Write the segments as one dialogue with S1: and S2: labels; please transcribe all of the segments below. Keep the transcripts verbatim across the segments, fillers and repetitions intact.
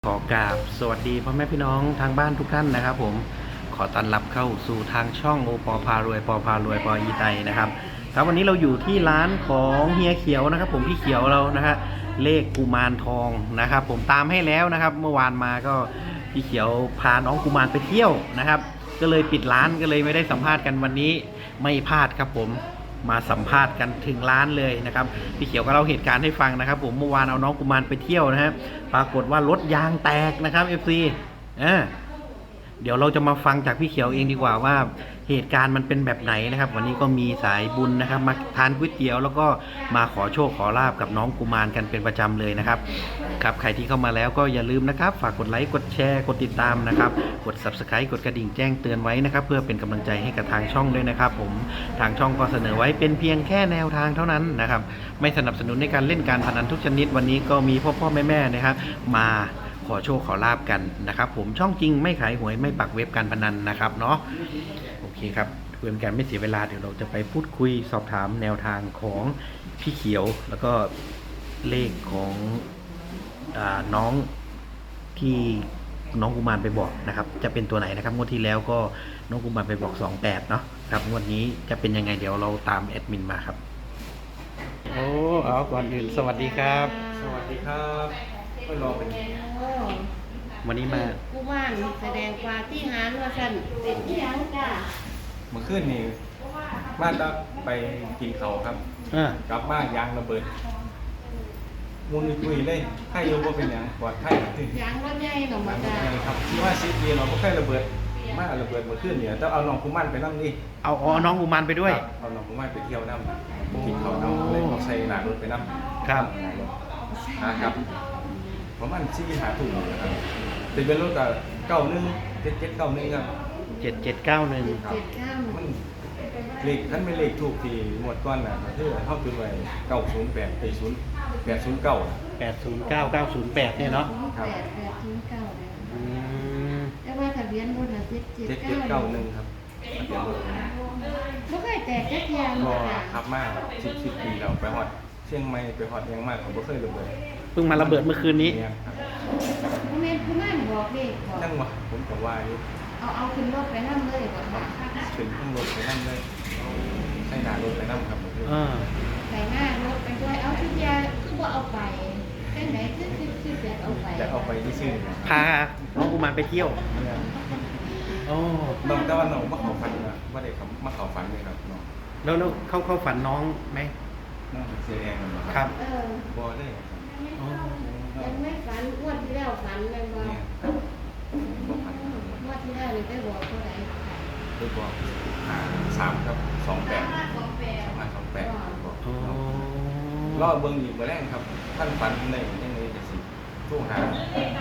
S1: ขอกราบสวัสดีพ่อแม่พี่น้องทางบ้านทุกท่านนะครับผมขอต้อนรับเข้าสู่ทางช่องโอปอพารวยปอพารวยปออีไตนะครับครับวันนี้เราอยู่ที่ร้านของเฮียเขียวนะครับผมพี่เขียวเรานะฮะเลขกุมารทองนะครับผมตามให้แล้วนะครับเมื่อวานมาก็พี่เขียวพาน้องกุมารไปเที่ยวนะครับก็เลยปิดร้านก็เลยไม่ได้สัมภาษณ์กันวันนี้ไม่พลาดครับผมมาสัมภาษณ์กันถึงร้านเลยนะครับพี่เขียวก็เล่าเหตุการณ์ให้ฟังนะครับผมเมื่อวานเอาน้องกุมารไปเที่ยวนะฮะปรากฏว่ารถยางแตกนะครับ เอฟ ซี อ่าเดี๋ยวเราจะมาฟังจากพี่เขียวเองดีกว่าว่าเหตุการณ์มันเป็นแบบไหนนะครับวันนี้ก็มีสายบุญนะครับมาทานก๋วยเตี๋ยวแล้วก็มาขอโชคขอลาบกับน้องกุมารกันเป็นประจำเลยนะครับครับใครที่เข้ามาแล้วก็อย่าลืมนะครับฝากกดไลค์กดแชร์กดติดตามนะครับกด ซับสไครบ์ กดกระดิ่งแจ้งเตือนไว้นะครับเพื่อเป็นกำลังใจให้กับทางช่องด้วยนะครับผมทางช่องก็เสนอไว้เป็นเพียงแค่แนวทางเท่านั้นนะครับไม่สนับสนุนในการเล่นการพนันทุกชนิดวันนี้ก็มีพ่อพ่อแม่แม่นะครับมาขอโชคขอลาบกันนะครับผมช่องจริงไม่ขายหวยไม่ปักเว็บการพนันนะครับเนาะโอเคครับเพื่อเป็นการไม่เสียเวลาเดี๋ยวเราจะไปพูดคุยสอบถามแนวทางของพี่เขียวแล้วก็เลขของอ่าน้องที่น้องกุมารไปบอกนะครับจะเป็นตัวไหนนะครับงวดที่แล้วก็น้องกุมารไปบอกสองแปดเนาะครับงวดนี้จะเป็นยังไงเดี๋ยวเราตามแอดมินมาครับโอ้เอาก่อนอื่นสวัสดีครับ
S2: สวัสดีครับก็รอเป็น
S1: วันนี้มา
S3: ผู้ว่านแสดงความที่หารว่าสั่นเป็นที่ยังจ้า
S2: เมื่อคืนนี่มาตะไปกินเขาวครับ
S1: อ่าก
S2: ลับบ้านยางระเบิดมุนคุยเลยให้โยว่าเป็นอย่างปลอดภัย
S3: ยางรถใหญ่หนอมาจ้า
S2: ครับที่ว่าซีดีเราก็แค่ระเบิดมาระเบิดเมื่อคืนเนี่ยต้องเอาน้องกุมันไปนั่งนี่
S1: เอาเอาน้องกุมารไปด้วย
S2: ครับเอาน้องกุมันไปเที่ยวน้ำกินเขาวน้ำเลยเอาใส่หนารถไปน้ำ
S1: ครับ
S2: หนารถนะครับประมาณสี่หาถุงนะครับติดเป็นรถกับเก้าหนึ่งเจ็ดเจ็ดเก้าหนึ่งครับ
S1: เจ็ดเจ็ดเก้าหนึ่ง
S3: เจ็ดข้าม
S2: มันเลขท่านไม่เลขถูกที่หมวดก้อนน่ะมันคือเข้าตัวไว้เก้าศูนย์แปดไปศูนย์แปดศูนย์เก้า
S1: แปดศูนย์เก้าเก้าศูนย์แปดเนี่ยเนาะ
S2: ครับ
S3: แปดแปดถึงเก้าเลย
S1: อืม
S3: แต่ว่าทะเบียนรถน่ะเจ็ดเจ็ด
S2: เจ็ดเจ็ด
S3: เก้า
S2: เก้าหนึ่งครับทะเบียนรถ
S3: ไม่เคยแตกแค่เทียม
S2: ก็
S3: จ้า
S2: ขับมาสิบสิบปีแล้วไปฮอดเชียงใหม่ไปฮอดยังมากผมก็เคยระเบิด
S1: เพิ่งมาระเบิดเมื่อคืนนี้
S2: เนี่ยครับ
S3: ผู้แม่ผู้แม่บอกเลขบอก
S2: นั่งวะผมกับว่าอยู่
S3: เอาเอาขึ้นรถไปนั่งเลยบอกว่า
S2: ถึงข้างรถไปนั่งเลยใส่หนารถไปนั่งครับผม
S1: อ่า
S3: ใส่หน้ารถไปด้วยเอาทุกอยางคือว่าเอาไปแค่ไหนคือคือคือจะเอาไป
S2: จะเอาไปที่ซื่อ
S1: พาน้องกุมารไปเที่ยว
S2: เนี่ย
S1: โอ้
S2: น้องแต่ว่าน้องมาเขาฝันนะว่าเด็กเขามาเขาฝันเลยครับน้อง
S1: แล้วแล้วเข้าเข้าฝันน้องไหม
S2: น้องเสียแรงกันเหรอ
S1: ครับ
S3: เออ
S2: บอเลยครับ
S1: อ๋อ
S3: ยังไม่ฝันงวดที่แล้วฝันเลยว่า
S2: เนี่ยครับบ่ฝันครับ
S3: งวดที่แล้วนี่ได้บอกเท่าไหร่
S2: คือบอกหาสามครับสองแปดสามห้าสองแปดบอก
S1: อ๋อ
S2: รอบเบิ้งอีกมาแรกครับ ท่านฝันในยังไงจะสิตู้หา
S3: นะ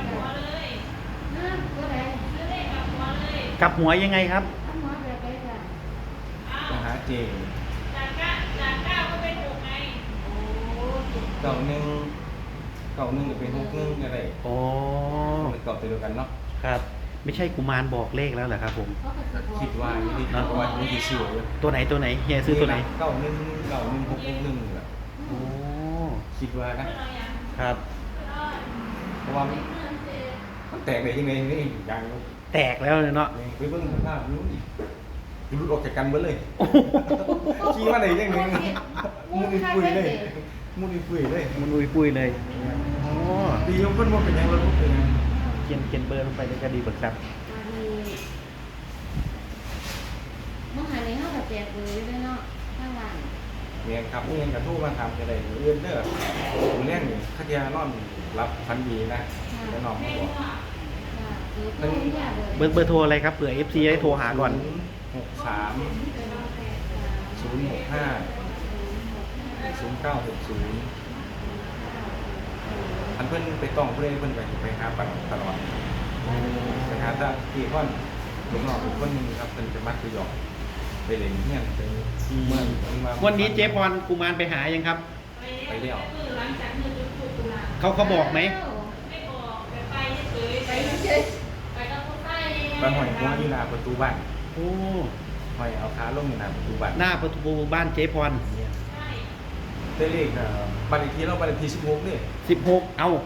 S3: เท่าไหร่
S1: กลับหัวยังไงครับ
S3: เอาหมอแบบไปจ้ะ
S2: ต้องหาเจ
S3: โอ้
S2: เก่าหนึ่งเก่าหนึ่งจะเป็นหกหนึ่งอะไร
S1: โอ้
S2: เป็นเก่าตัวเดียวกันเนาะ
S1: ครับ ไม่ใช่กุมารบอกเลขแล้วเหรอครับผม
S3: เขาก็จะบอก
S2: คิดว่าอยู่ที่คิดว่าอยู่ที่ชื่อเลย
S1: ตัวไหนตัวไหนเฮียซื้อตัวไหน
S2: เก่าหนึ่งเก่าหนึ่งหกหกหนึ่งแหละ
S1: โอ้
S2: คิดว่านะครับ เพราะว่ามันมันแตกได้ยังไงนี่อย่าง
S1: แตกแล้วเลยเนาะ
S2: ไปเบิ้งสภาพนู้นอีกรุดออกจากกันเบิ้เลยขี้ว่าไหนยังไงมุนปุยเลยมุนปุยเลย
S1: มันอุยปุยเลยโอ้
S2: ดียกขึ้นว่าเป็นยังไงรถเป็นยัง
S1: เขียนเขียนเบอร์ลงไปในคดีเบิกทรัพย์
S3: อันนี้เมื่อหาในห้องกับแจกเลยด้วยเนาะข้างหลัง
S2: เนี่ยครับนี่ยังกระทู้มาทำอะไรเรื่องเด้อผมเลี้ยงนี่ขัดยานอนรับพันดีนะแล้วน้องมาบอก
S3: ค่ะคือผู้ยากเลย
S1: เบอร์เบอร์โทรอะไรครับเผื่อ เอฟ ซี ได้โทรหาก่อน
S2: หกสามศูนย์หกห้าศูนย์เก้าหกศูนย์อันเพิ่นไปต้องเพื่อนเพิ่นไปไปหาปันตลอดไปหาตาที่พ่อนลูกน้องอีกคนหนึงครับเพิ่นจะมักไปหยอกไปเล่นเฮียนไปเมื่อนเพิ่มา
S1: วันนี้เจ๊พรกุมารไปหายังครับ
S2: ไปเลี้ยว
S1: เขาเขาบอกไหม
S3: ไปเฉย
S2: ไปหอยหัวอยู่หน้าประตูบ้าน
S1: โอ้
S2: หอยเอาขาลงอยู่หน้าประตูบ้าน
S1: หน้าประตูบ้านเจ๊พร
S2: ได้เลขเอ่อบ้านเลขที่เราบ้านเลขที่สิบหกนี่
S1: สิบหกเอา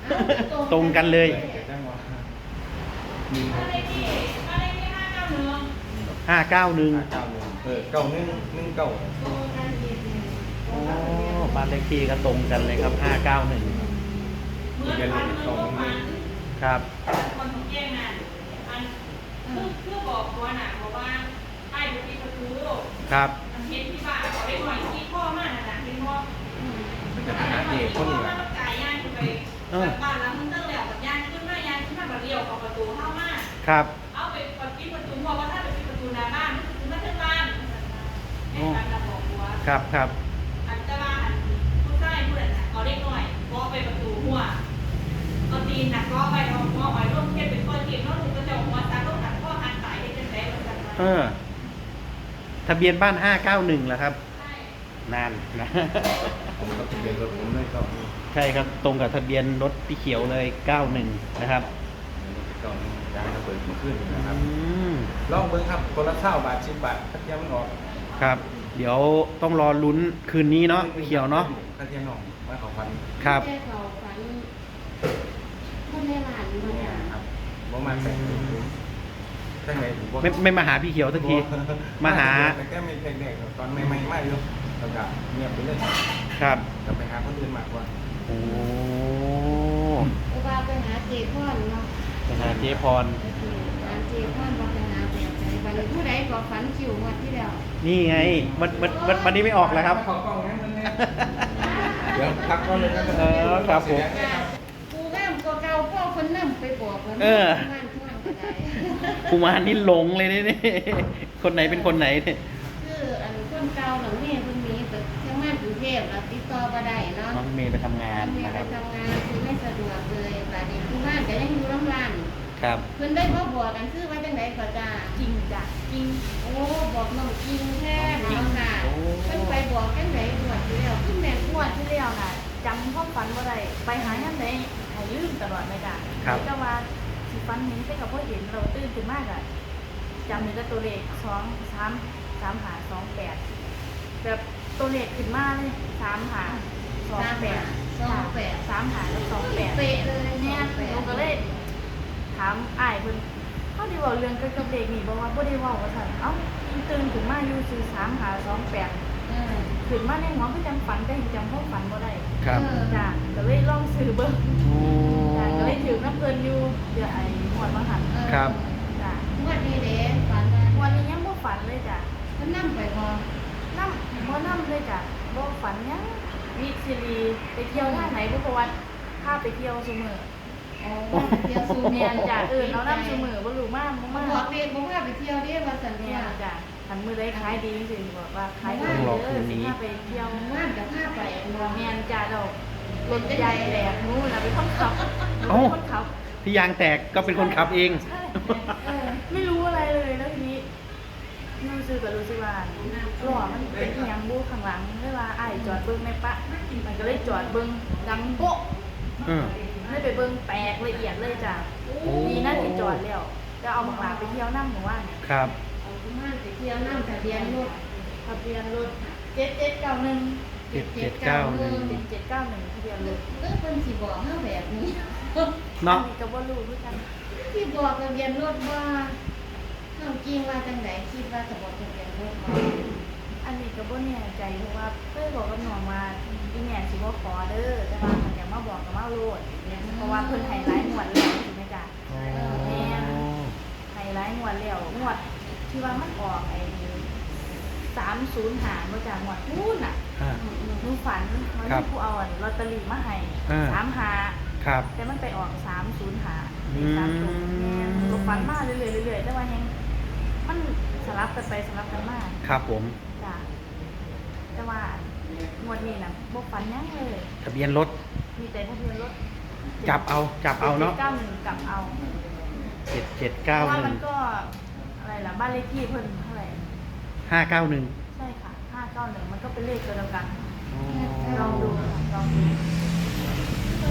S3: เอา
S1: ตรงกันเลย
S2: แต่จังว่ามี
S4: อะไรที่อะไรที่ห้าเก้าหนึ่ง
S1: ห้าเก้าหนึ่ง
S2: เก้าหนึ่งเออเก้าหนึ่งหนึ่งเก้า
S3: ตรงกันดีดี
S1: โอ้บ้านเลขที่ก็ตรงกันเลยครับห้าเก้าหนึ่ง
S4: เหมือนกันเหมือนโรงมัน
S1: ครับ
S4: คนของแจ้งน่ะอันคือคือบอกว่าน่ะบอกว่าไอ้บุตรีประตู
S1: ครับ
S4: มันเห็นที่บ้านขอได้หน่อยที่พ่อมากนะที่พ่อ
S2: มันจะหาเอกคนนี้แหละ
S4: กายย่างขึ้นไปบ้านหลังนึงตั้งแล้วกับย่างขึ้นมาย่างขึ้นมาแบบเดียวกับประตูเข้ามา
S1: ครับ
S4: เอาไปปิดประตูเพราะว่าถ้าไปปิดประตูหน้าบ้านมันคือมาถึงบ้านให้การระบอกว่า
S1: ครับครับ
S4: อันตรายผู้ชายผู้นั้นน่ะเอาเล็กหน่อยก็ไปประตูหัวเอาตีนน่ะก็ไปเอาหัวไว้ร่วมเทียบเป็นข้อเทียบแล้วถึงจะจะหัวซักต้องหันข้อหันสายให้เป็นแผลเหมือนกัน
S1: เออ ทะเบียนบ้านห้าเก้าหนึ่งเหรอครับ
S4: ใช่
S1: นานนะ
S2: ผมก็ทะเบียนรถผมเลยเก้าหนึ่ง
S1: ใช่ครับตรงกับทะเบียนรถพี่เขียวเลยเก้าหนึ่งนะครับ
S2: เก้าหนึ่งยางระเบิดมาขึ้นนะครับ
S1: อืม
S2: ลองเบิ้งครับคนละเท่าบาทสิบบาทถ้าเทียมมันออก
S1: ครับ เดี๋ยวต้องรอลุ้นคืนนี้เนาะพี่เขียวเนาะ
S2: ถ้าเทียมออกมาของพัน
S1: ครับ
S3: แค่เขาฝันคนในร้านมา
S2: เนี่ย
S3: จ้ะ
S2: ครับประมาณแสนถึงถ้าไงผมบอก
S1: ไม่ไม่มาหาพี่เขียวสักที มาหา
S2: แต่แค่มีเด็กๆตอนใหม่ๆมากอยู่แล้วก็เงียบไปเลย
S1: ครับ
S2: กลับไปหาคนอื่นมากกว่า
S1: โอ้
S3: เพราะว่าไปหาเจพอนเนาะ
S1: ไปหาเจ๊พร
S3: หาเจพอนบอกไปหาแบบไหนบัดนี้ผู้ใดก็ฝันคิวงวดที่แล้ว
S1: นี่ไงวันวันวันวันนี้ไม่ออกแล้วครับ
S2: ขอกล้องนั้นมันเนี่ยเดี๋ยวพักก่อนเลยนะ
S1: เออครับผม
S3: กูงามกว่าเก่าพ่อคนนำไปบอกแล้ว
S1: เออ
S3: งานท่วงก็ได้
S1: กูมารนี่หลงเลยนี่ คนไหนเป็นคนไหนเนี่ย
S3: คืออันคนเก่าหลังนี้เพิ่นมีแต่ทำงานกรุงเทพแล้วติดต่อบ่ได้เนาะ
S1: น้องเมย์ไปทำงาน
S3: เมีย
S1: นะค
S3: ไป
S1: รับ
S3: ทำงานคือไม่สะดวกเลยบัดนี้ผู้บ้านก็ยังอยู่ลำลาน
S1: ครับ
S3: เพิ่นได้มาบอกกันคือว่าจังไดก็จ้า
S4: จริงจ้ะจริง
S3: โอ้บอกน้องจริงแท้เนาะค่ะ
S1: โอ้
S3: เพิ่นไปบอกจังไดงวดที่แล้วคือแม่น
S4: งวดที่แล้วน่ะจำความฝันว่าไรไปหาย่านใดให้ลืมตลอดเลยจ้ะ
S1: ครับ
S4: แต่ว่าสิฝันเห็นแต่กับพ่อเห็นเราตื่นขึ้นมากอะจำในตัวเลขสองสามสามหาสองแปดแบบตัวเลขขึ้นมาเลยสามหาสองแปด
S3: สองแปด
S4: สามหาแล้วสองแปด
S3: เป๊ะเลย
S4: เนี่ยหนูก็เลยถามอ้ายเพิ่นเขาได้เว้าเรื่องเกี่ยวกับเด็กนี่บอกว่าบ่ได้เว้าว่าซั่นเอ้าตื่นขึ้นมาอยู่ซื่อสามหาสองแปด
S3: เออ
S4: ขึ้นมาในหัวก็จังฝันแต่จำความฝันบ่ได้
S1: ครับ
S3: เออ
S4: จ้ะก็เลยลองซื้อเบิ่ง
S1: โอ้
S4: จ้ะก็เลยถือน้ำเพิ่นอยู่เดี๋ยวไอ้หมวดมาหัน
S3: เออ
S1: ครับ
S4: จ้ะ
S3: งวดนี้เด้ฝันว่า
S4: วันนี้ยังบ่ฝันเลยจ้ะ
S3: เพิ่นนำไปบ่
S4: น้ำบ่น้ำเลยจ้ะบ่ฝันหยังมีซีรีส์ไปเที่ยวทางไหนบ่เพราะว่าพาไปเที่ยวซุมื้อ
S3: อ๋อเที่ยวสู่
S4: แม่นจ้ะเออเอาน้ำซุมื้อบ่รู้มาบ่
S3: มา
S4: มา
S3: บอกเด็กบอกว่าไปเที่ยวเด้ว่าซั่น
S4: แม่
S3: เนี่ย
S4: นจ้ะคันมื้อใดขายดีสิบอกว่าขายดี
S1: ต้องรอ
S4: เด้
S1: คื
S4: อน
S1: นี้
S4: สิพาไปเที่ยว
S3: ว่านกับพาไปบ่
S4: แม่นจ้ะดอกรถใหญ่แหลกหนูน่ะเป็นคนขับหนู
S1: เอ้า
S4: เป็นคนขับ
S1: ที่ยางแตกก็เป็นคนขับเอง
S4: ใช่เออไม่รู้อะไรเลยแล้วทีนี้รู้สึกกับรู้สึกว่าหล่อมันเป็นอหยังบูข้างหลังเวลาอ้ายจอดเบิ้งในปะมันก็เลยจอดเบิ้งดังโป๊ะ
S1: เออ
S4: เลยไปเบิ้งแตกละเอียดเลยจ้ะดีนะที่จอดแล้วจะเอาบักหลาไปเที่ยวน้ำหมู่บ้านเนี่ย
S1: ครับ
S3: เอาที่บ้านไปเที่ยวน้ำทะเบียนรถ
S4: ทะเบียนรถเจ็ดเจ็ดเก้าหนึ่ง
S1: เจ็ดเจ็ดเก้าหนึ่ง
S4: เจ็ดเจ็ดเก้าหนึ่งทะเบียนรถ
S3: เออเพิ่นสิบอกเฮาแบบนี้
S1: เนาะ
S4: อัก็บ่รู้เหมือนกัน
S3: สิบอกทะเบียนรถว่าเฮาจริงว่าจังไดคิดว่าจะบอกทะเบียนรถบ่
S4: อันนี้ก็บ่แน่ใจเพราะว่าเคยบอกกับน้องว่าอีแม่สิบ่ขอเด้อแต่ว่ามันอยากมาบอกกับมาโลดเพราะว่าเพิ่นให้หลายงวดแล้วถูกไหมจ๊ะ
S1: โอ้
S4: ให้หลายงวดแล้วงวดที่ว่ามันออกไอ้สามศูนย์หามาจากงวดพูนอ่ะ
S1: อ่า
S4: หนูฝันว่า
S1: ครับ
S4: มีผู้เอาอันลอตเตอรี่มาให้
S1: อ่า
S4: สามหา
S1: ครับ
S4: แต่มันไปออกสามศูนย์หา
S1: อืม
S4: สามศูนย์แม่นหนูฝันมาเรื่อยๆเรื่อยๆแต่ว่ายังมันสลับกันไปสลับกันมา
S1: ครับผม
S4: จ้ะแต่ว่างวดนี้นะบ่ฝันหยังเลย
S1: ทะเบียนรถ
S4: มีแต่ทะเบียนรถ
S1: จับเอา จับเอาเนาะ
S4: เก้าหนึ่งกลับเอา
S1: เจ็ดเจ็ด
S4: เพ
S1: เก้า
S4: ราะว่า
S1: ห
S4: มั
S1: นึ่
S4: น
S1: ง
S4: ก็อะไรล่ะบ้านเลขที่เพิ่นเท่าไหร่
S1: ห้าเก้าหนึ่ง
S4: ใช่ค่ะห้าเก้าหนึ่งมันก็เป็นเลขตัวเดียวกัน
S1: อ๋
S4: ลองดูค่ะลองดู
S1: ก็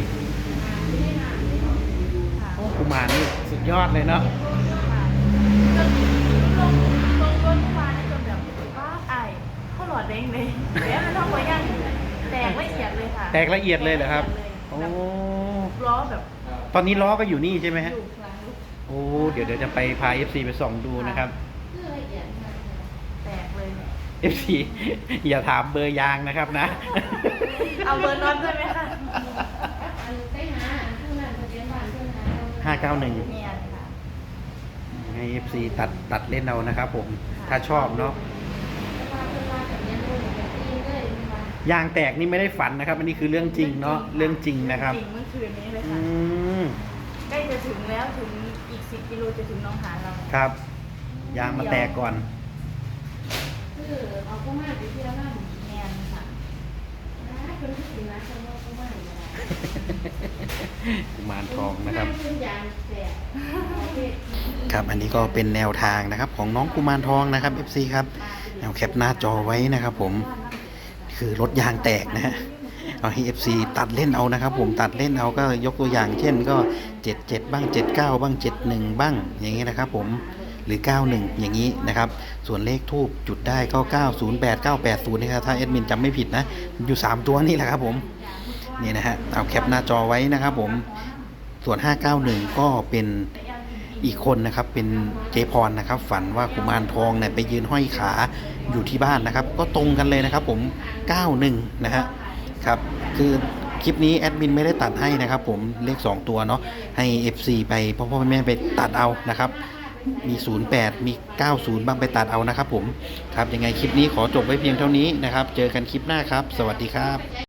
S4: ค่ะ
S1: โอ้กุมารนี่สุดยอดเลยเนาะ
S4: ค่ะจนลงลงรถเมื่อวานนี่จนแบบว้าไอ้ายเขาหลอดแดงเลยแล้วมันท้องหัวยังแตกละเอียดเลยค่ะ
S1: แตกละเอียดเลยเหรอครับ
S4: แตกละเอียดเลย
S1: โอ้
S4: ล้อแบบ
S1: ตอนนี้ล้อก็อยู่นี่ใช่ไหมฮะ
S4: อยู่หลังรถ
S1: โอ้ เดี๋ยวเดี๋ยวจะไปพา เอฟ ซี ไปส่องดูนะครับ
S3: คือละเอียดมากเลย
S4: แตกเลยเนี่ย
S1: เอฟ ซี อย่าถามเบอร์ยางนะครับนะ
S4: เอาเบอร์น็อตด้วยไหมคะ
S3: อันไปหาอันผู้นั้นทะเบียนบ้านเพิ่นหาเรา
S1: ห้าเก้าหนึ่ง
S4: เนี่ยค่ะ
S1: ให้ เอฟ ซี ตัดตัดเล่นเอานะครับผม ถ้าชอบเนาะ
S3: แต่ว่าเพิ่นว่าทะเบียนรถเนี่ยเป็นจริงเลยเพิ่นว่าย
S1: างแตกนี่ไม่ได้ฝันนะครับ อันนี้คือเรื่องจริงเนาะ เรื่องจริงนะครับ
S4: จริงเมื่อคืนนี้เลย
S1: อื
S4: ค่ะ
S1: ม
S4: ใกล้จะถึงแล้วถึงอีกสิบกิโลจะถึงหน้องหานเรา
S1: ครับ ยางมาแตกก่อน
S3: คือเอาผู้มาไปเที่ยวนั่น
S4: แมนค่ะ
S3: นะเพิ่นสิมาเพิ่นว่าผู้มาอยู่ได้
S1: กุมารทองนะครับ
S3: เพิ่นยางแตกเอาเฮ็ด
S1: ครับ อันนี้ก็เป็นแนวทางนะครับของน้องกุมารทองนะครับ เอฟ ซี ครับแนวแคปหน้าจอไว้นะครับผม คือรถยางแตกนะฮะ เอาให้ เอฟ ซี ตัดเล่นเอานะครับผม ตัดเล่นเอาก็ยกตัวอย่างเช่นก็ เจ็ดเจ็ด บ้าง เจ็ดเก้า บ้าง เจ็ดหนึ่ง บ้าง อย่างนี้นะครับผม หรือ เก้าหนึ่ง อย่างนี้นะครับ ส่วนเลขทูบจุดได้ก็ เก้าศูนย์แปด เก้าแปดศูนย์นะครับถ้าแอดมินจำไม่ผิดนะ อยู่ สาม ตัวนี่แหละครับผม นี่นะฮะ เอาแคปหน้าจอไว้นะครับผม ส่วน ห้าเก้าหนึ่ง ก็เป็นอีกคนนะครับ เป็นเจพรนะครับ ฝันว่ากุมารทองเนี่ยไปยืนห้อยขาอยู่ที่บ้านนะครับ ก็ตรงกันเลยนะครับผม เก้าหนึ่ง นะฮะ ครับ คือคลิปนี้แอดมินไม่ได้ตัดให้นะครับผม เลขสองตัวเนาะ ให้ เอฟ ซี ไปพ่อพ่อแม่ไปตัดเอานะครับ มี ศูนย์แปด มี เก้าศูนย์ บ้างไปตัดเอานะครับผม ครับ ยังไงคลิปนี้ขอจบไว้เพียงเท่านี้นะครับ เจอกันคลิปหน้าครับ สวัสดีครับ